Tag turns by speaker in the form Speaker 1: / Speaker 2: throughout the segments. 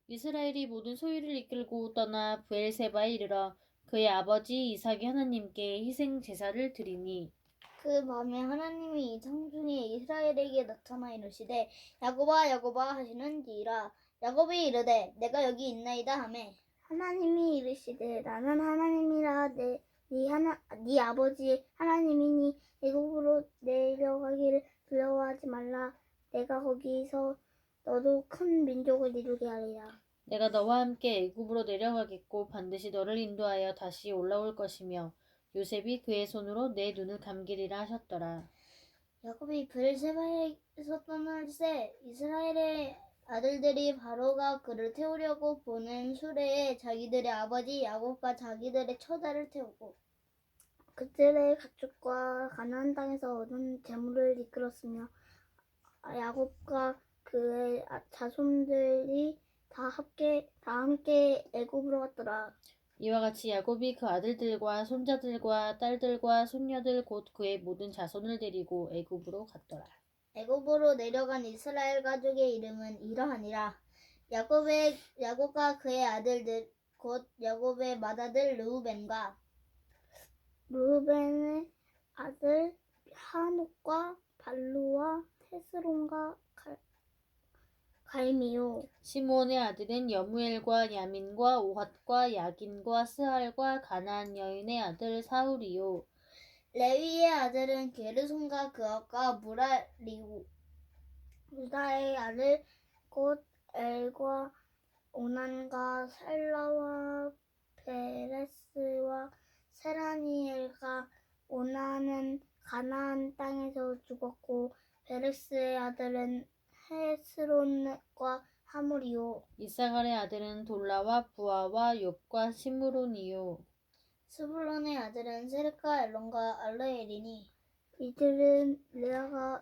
Speaker 1: 이스라엘이 모든 소유를 이끌고 떠나 브엘세바에 이르러 그의 아버지 이삭이 하나님께 희생 제사를 드리니
Speaker 2: 그 밤에 하나님이 이상 중에 이스라엘에게 나타나 이르시되 야곱아 야곱아 하시는지라. 야곱이 이르되 내가 여기 있나이다 하매 하나님이 이르시되 나는 하나님이라. 네 아버지 하나님이니 애굽으로 내려가기를 두려워하지 말라. 내가 거기서 너도 큰 민족을 이루게 하리라.
Speaker 1: 내가 너와 함께 애굽으로 내려가겠고 반드시 너를 인도하여 다시 올라올 것이며 요셉이 그의 손으로 내 눈을 감기리라 하셨더라.
Speaker 2: 야곱이 브엘세바에서 떠날 새 이스라엘의 아들들이 바로가 그를 태우려고 보낸 수레에 자기들의 아버지 야곱과 자기들의 처자를 태우고 그들의 가축과 가나안 땅에서 얻은 재물을 이끌었으며 야곱과 그의 자손들이 다 함께 애굽으로 갔더라.
Speaker 1: 이와 같이 야곱이 그 아들들과 손자들과 딸들과 손녀들 곧 그의 모든 자손을 데리고 애굽으로 갔더라.
Speaker 2: 애굽으로 내려간 이스라엘 가족의 이름은 이러하니라. 야곱과 그의 아들들 곧 야곱의 맏아들 르우벤의 아들 하녹과 발루와 헤스론과 갈미요.
Speaker 1: 시므온의 아들은 여무엘과 야민과 오핫과 야긴과 스할과 가나안 여인의 아들 사울이요.
Speaker 2: 레위의 아들은 게르손과 그압과 무라리고 유다의 아들 곧 엘과 오난과 셀라와 베레스와 세라니엘과 오난은 가나안 땅에서 죽었고 베레스의 아들은 헤스론과 하물이요.
Speaker 1: 이사갈의 아들은 돌라와 부아와 욥과 시므론이요.
Speaker 2: 스불론의 아들은 세르카 엘론과 알르엘이니 이들은 레아가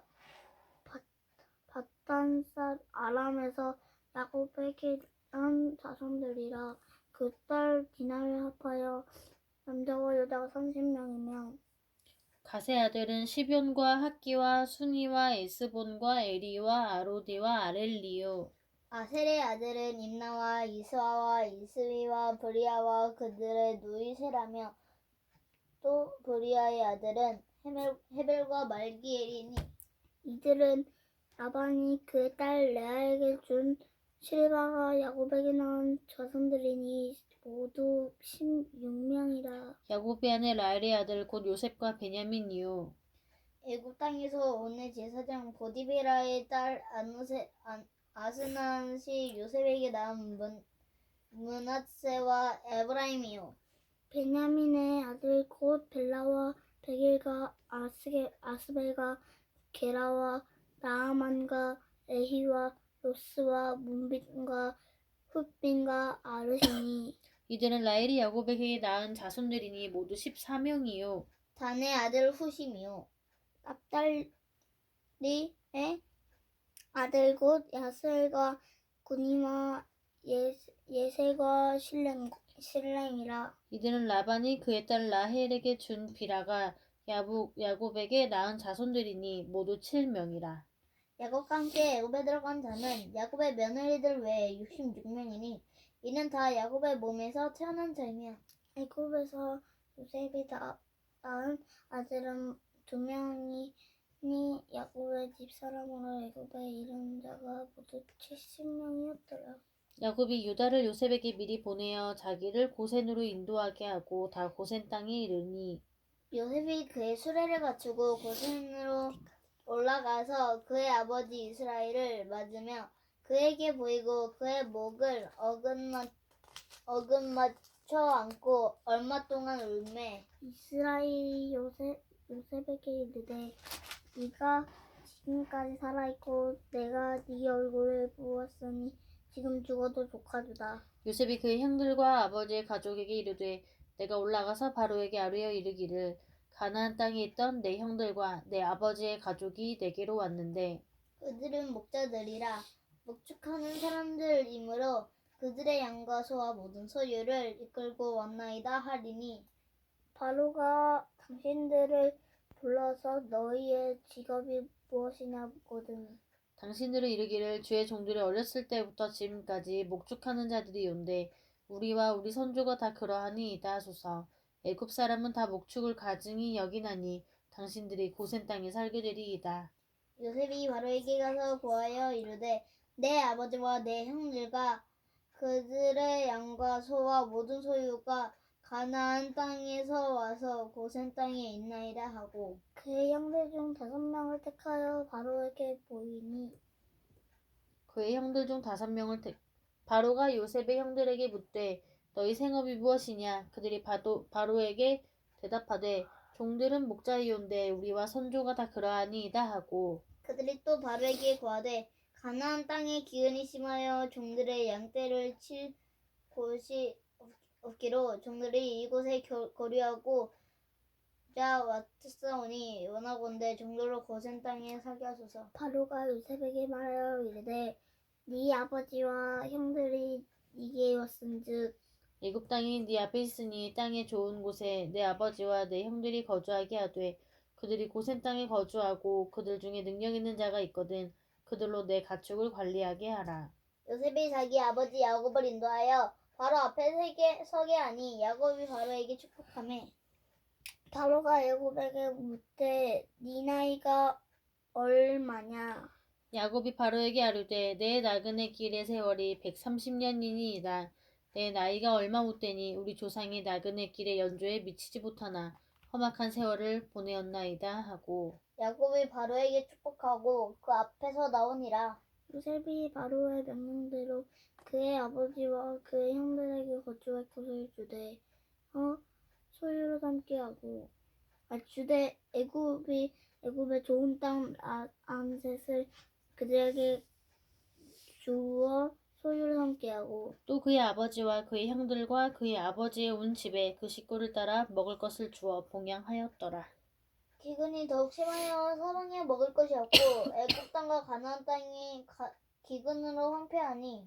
Speaker 2: 바단산 아람에서 야곱에게 난 자손들이라. 그 딸 디나를 합하여 남자와 여자가 30명이며
Speaker 1: 갓의 아들은 시뵑과 학기와 순이와 에스본과 에리와 아로디와 아렐리요.
Speaker 2: 아셀의 아들은 임나와 이스와와 이스위와 브리아와 그들의 누이 세라며 또 브리아의 아들은 헤벨과 말기엘이니 이들은 라반이 그의 딸 레아에게 준 실바가 야곱에게 낳은 자손들이니 모두 16명이라.
Speaker 1: 야곱의 아내 라헬의 아들 곧 요셉과 베냐민이요.
Speaker 2: 애굽 땅에서 온 제사장 보디베라의 딸 아스낫이 요셉에게 낳은 므낫세와 에브라임이요. 베냐민의 아들 곧 벨라와 베길과 아스벨과 게라와 나아만과 에히와 로스와 문빈과 훗빈과 아르시니
Speaker 1: 이들은 라헬이 야곱에게 낳은 자손들이니 모두 14명이요.
Speaker 2: 단의 아들 후심이요. 납달리의 아들 곧 야스엘과 구니와 예셀과 실렘이라.
Speaker 1: 이들은 라반이 그의 딸 라헬에게 준 비라가 야곱에게 낳은 자손들이니 모두 7명이라.
Speaker 2: 야곱과 함께 애굽에 들어간 자는 야곱의 며느리들 외에 66명이니 이는 다 야곱의 몸에서 태어난 자이며 애굽에서 요셉이 낳은 아들은 2명이니 야곱의 집사람으로 애굽에 이른 자가 모두 70명이었더라.
Speaker 1: 야곱이 유다를 요셉에게 미리 보내어 자기를 고센으로 인도하게 하고 다 고센 땅에 이르니
Speaker 2: 요셉이 그의 수레를 갖추고 고센으로 올라가서 그의 아버지 이스라엘을 맞으며 그에게 보이고 그의 목을 어긋맞춰 안고 얼마 동안 울매 이스라엘이 요셉에게 이르되 네가 지금까지 살아있고 내가 네 얼굴을 보았으니 지금 죽어도 조카주다.
Speaker 1: 요셉이 그의 형들과 아버지의 가족에게 이르되 내가 올라가서 바로에게 아뢰어 이르기를 가나안 땅에 있던 내 형들과 내 아버지의 가족이 내게로 왔는데
Speaker 2: 그들은 목자들이라 목축하는 사람들이므로 그들의 양과 소와 모든 소유를 이끌고 왔나이다 하리니 바로가 당신들을 불러서 너희의 직업이 무엇이냐 묻거든
Speaker 1: 당신들은 이르기를 주의 종들이 어렸을 때부터 지금까지 목축하는 자들이 온데 우리와 우리 선조가 다 그러하니이다 하소서. 애굽 사람은 다 목축을 가증히 여기나니 당신들이 고센 땅에 살게 되리이다.
Speaker 2: 요셉이 바로에게 가서 고하여 이르되 내 아버지와 내 형들과 그들의 양과 소와 모든 소유가 가나안 땅에서 와서 고센 땅에 있나이다 하고 그의 형들 중 5명을 택하여 바로에게 보이니
Speaker 1: 그의 형들 중 5명을 바로가 요셉의 형들에게 묻되 너희 생업이 무엇이냐? 그들이 바로에게 대답하되 종들은 목자이온데 우리와 선조가 다 그러하니이다 하고
Speaker 2: 그들이 또 바로에게 고하되 가나안 땅에 기근이 심하여 종들의 양떼를 칠 곳이 없기로 종들이 이곳에 거류하고 자 왔사오니 원하건대 종들로 고센 땅에 살게 하소서. 바로가 요셉에게 말하여 이르되 네 아버지와 형들이 네게 왔은즉
Speaker 1: 애굽 땅이 네 앞에 있으니 땅의 좋은 곳에 내 아버지와 내 형들이 거주하게 하되 그들이 고센 땅에 거주하고 그들 중에 능력 있는 자가 있거든 그들로 내 가축을 관리하게 하라.
Speaker 2: 요셉이 자기 아버지 야곱을 인도하여 바로 앞에 서게 하니 야곱이 바로에게 축복하매 바로가 야곱에게 묻되 네 나이가 얼마냐?
Speaker 1: 야곱이 바로에게 아뢰되 내 나그네 길의 세월이 130년이니이다. 내 나이가 얼마 못되니 우리 조상이 나그네 길의 연조에 미치지 못하나 험악한 세월을 보내었나이다 하고
Speaker 2: 야곱이 바로에게 축복하고 그 앞에서 나오니라. 요셉이 바로의 명령대로 그의 아버지와 그의 형들에게 거주할 곳을 주되 소유로 삼게 하고 주되 애굽의 좋은 땅 안셋을 그들에게 주어 소유로 삼게 하고
Speaker 1: 또 그의 아버지와 그의 형들과 그의 아버지의 온 집에 그 식구를 따라 먹을 것을 주어 봉양하였더라.
Speaker 2: 기근이 더욱 심하여 사방에 먹을 것이 없고 애굽 땅과 가나안 땅이 기근으로 황폐하니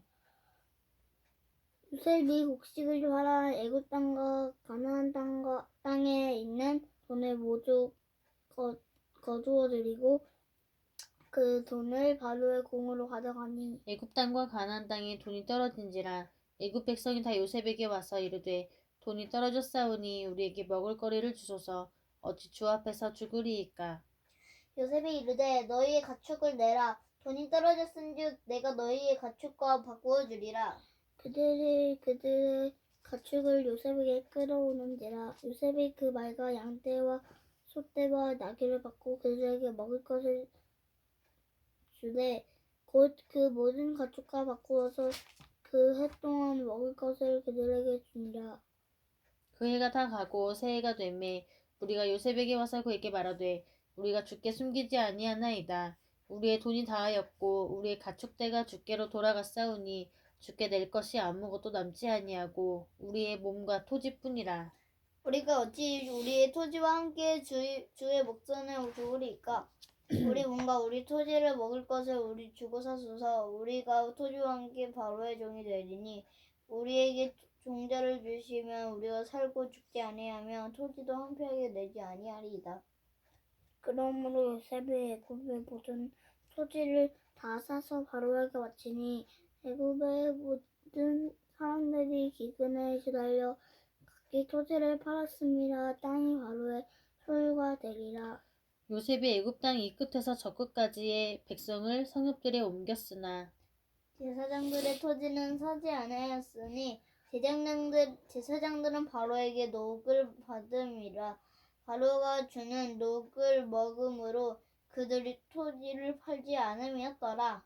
Speaker 2: 요셉이 곡식을 팔아 애굽 땅과 가나안 땅에 있는 돈을 모두 거두어 들이고 그 돈을 바로의 공으로 가져가니
Speaker 1: 애굽 땅과 가나안 땅에 돈이 떨어진지라 애굽 백성이 다 요셉에게 와서 이르되 돈이 떨어졌사오니 우리에게 먹을 거리를 주소서 어찌 주 앞에서 죽으리이까.
Speaker 2: 요셉이 이르되 너희의 가축을 내라 돈이 떨어졌은즉 내가 너희의 가축과 바꾸어 주리라. 그들의 가축을 요셉에게 끌어오는지라 요셉이 그 말과 양떼와 소떼와 나귀를 받고 그들에게 먹을 것을 주되 곧 그 모든 가축과 바꾸어서 그 해 동안 먹을 것을 그들에게 주니라.
Speaker 1: 그 해가 다 가고 새해가 되매 우리가 요셉에게 와서 그에게 말하되 우리가 주께 숨기지 아니하나이다. 우리의 돈이 다하였고 우리의 가축대가 주께로 돌아갔사오니 주께 낼 것이 아무것도 남지 아니하고 우리의 몸과 토지뿐이라.
Speaker 2: 우리가 어찌 우리의 토지와 함께 주의 목전에 죽으리이까? 우리 몸과 우리 토지를 먹을 것을 우리 주고 사소서. 우리가 토지와 함께 바로의 종이 되리니 우리에게 종자를 주시면 우리가 살고 죽지 아니하며 토지도 황폐하게 내지 아니하리이다. 그러므로 요셉이 애굽의 모든 토지를 다 사서 바로에게 바치니 애굽의 모든 사람들이 기근에 시달려 각기 토지를 팔았음이라 땅이 바로의 소유가 되리라.
Speaker 1: 요셉이 애굽 땅 이 끝에서 저 끝까지의 백성을 성읍들에 옮겼으나
Speaker 2: 제사장들의 토지는 사지 아니하였으니 제사장들은 바로에게 녹을 받음이라. 바로가 주는 녹을 먹음으로 그들이 토지를 팔지 않음이었더라.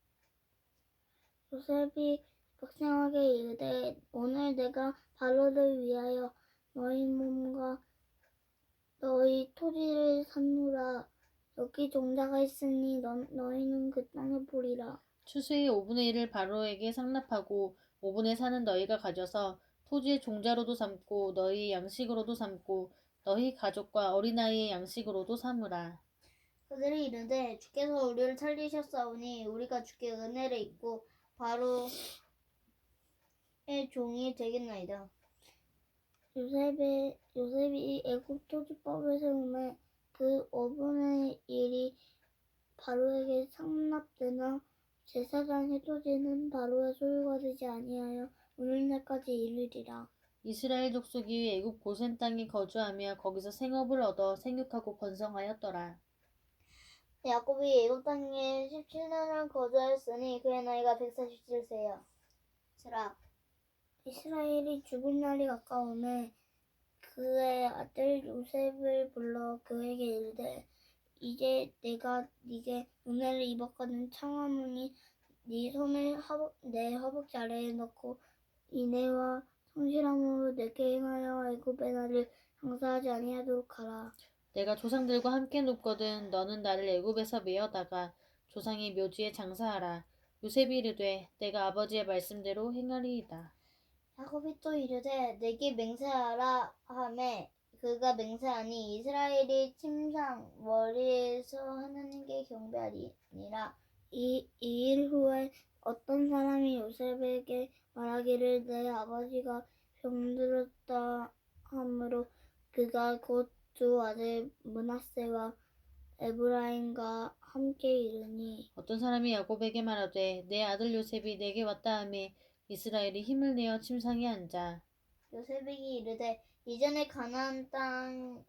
Speaker 2: 요셉이 백성에게 이르되 오늘 내가 바로를 위하여 너희 몸과 너희 토지를 샀노라. 여기 종자가 있으니 너희는 그 땅을 보리라.
Speaker 1: 추수의 5분의 1을 바로에게 상납하고 5분의 4는 너희가 가져서 토지의 종자로도 삼고 너희 양식으로도 삼고 너희 가족과 어린아이의 양식으로도 삼으라.
Speaker 2: 그들이 이르되 주께서 우리를 살리셨사오니 우리가 주께 은혜를 입고 바로의 종이 되겠나이다. 요셉이 애굽 토지법을 세우매 그 5분의 1이 바로에게 상납되나 제사장 해돋이는 바로의 소유가 되지 아니하여 오늘날까지 이르리라.
Speaker 1: 이스라엘 족속이 애굽 고센 땅에 거주하며 거기서 생업을 얻어 생육하고 번성하였더라.
Speaker 2: 야곱이 애굽 땅에 17년을 거주하였으니 그의 나이가 147세였으라. 이스라엘이 죽을 날이 가까우매 그의 아들 요셉을 불러 그에게 이르되 이제 내가 네게 은혜를 입었거든 청하노니 네 손을 내 허벅지 아래에 넣고 인애와 성실함으로 내게 행하여 애굽의 나를 장사하지 아니하도록 하라.
Speaker 1: 내가 조상들과 함께 눕거든 너는 나를 애굽에서 메어다가 조상의 묘지에 장사하라. 요셉이 이르되 내가 아버지의 말씀대로 행하리이다.
Speaker 2: 야곱이 또 이르되 내게 맹세하라 하매 그가 맹세하니 이스라엘이 침상 머리에서 하나님께 경배하리니라. 이 일 후에 어떤 사람이 요셉에게 말하기를 내 아버지가 병들었다 하므로 그가 곧 두 아들 므낫세와 에브라임과 함께 이르니
Speaker 1: 어떤 사람이 야곱에게 말하되 내 아들 요셉이 내게 왔다 하매 이스라엘이 힘을 내어 침상에 앉아.
Speaker 2: 요셉에게 이르되 이전에 가나안 땅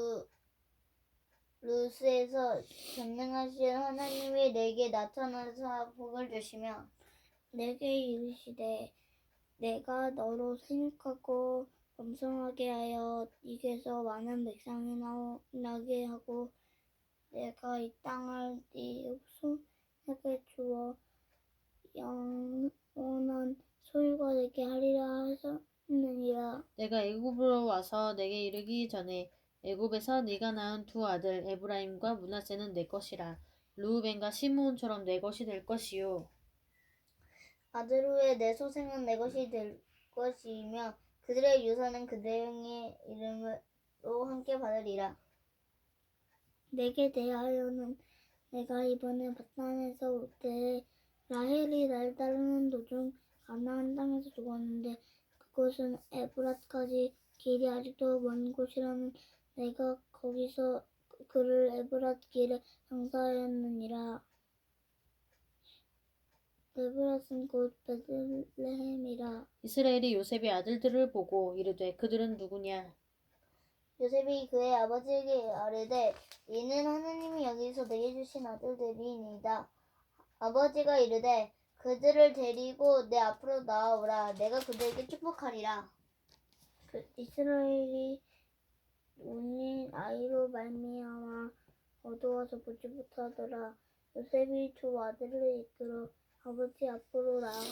Speaker 2: 루스에서 전능하신 하나님이 내게 나타나사 복을 주시며 내게 이르시되 내가 너로 생육하고 번성하게 하여 네게서 많은 백성이 나게 하고 내가 이 땅을 네 후손에게 주어 영원한 소유가 되게 하리라 하셨느니라.
Speaker 1: 내가 애굽으로 와서 내게 이르기 전에 애굽에서 네가 낳은 두 아들 에브라임과 므낫세는 내 것이라. 르우벤과 시므온처럼 내 것이 될 것이요.
Speaker 2: 아들 후에 내 소생은 내 것이 될 것이며 그들의 유산은 그들의 이름으로 함께 받으리라. 내게 대하여는 내가 이번에 바산에서 올 때에 라헬이 날 따르는 도중 가나안 땅에서 죽었는데 그곳은 에브랏까지 길이 아직도 먼 곳이라는 내가 거기서 그를 에브랏 길에 장사하였느니라. 에브랏은 곧 베들레헴이라.
Speaker 1: 이스라엘이 요셉의 아들들을 보고 이르되 그들은 누구냐?
Speaker 2: 요셉이 그의 아버지에게 아뢰되 이는 하나님이 여기서 내게 주신 아들들이니이다. 아버지가 이르되 그들을 데리고 내 앞으로 나아오라. 내가 그들에게 축복하리라. 이스라엘이 운인 아이로 말미암아 어두워서 보지 못하더라. 요셉이 두 아들을 이끌어 아버지 앞으로 나아가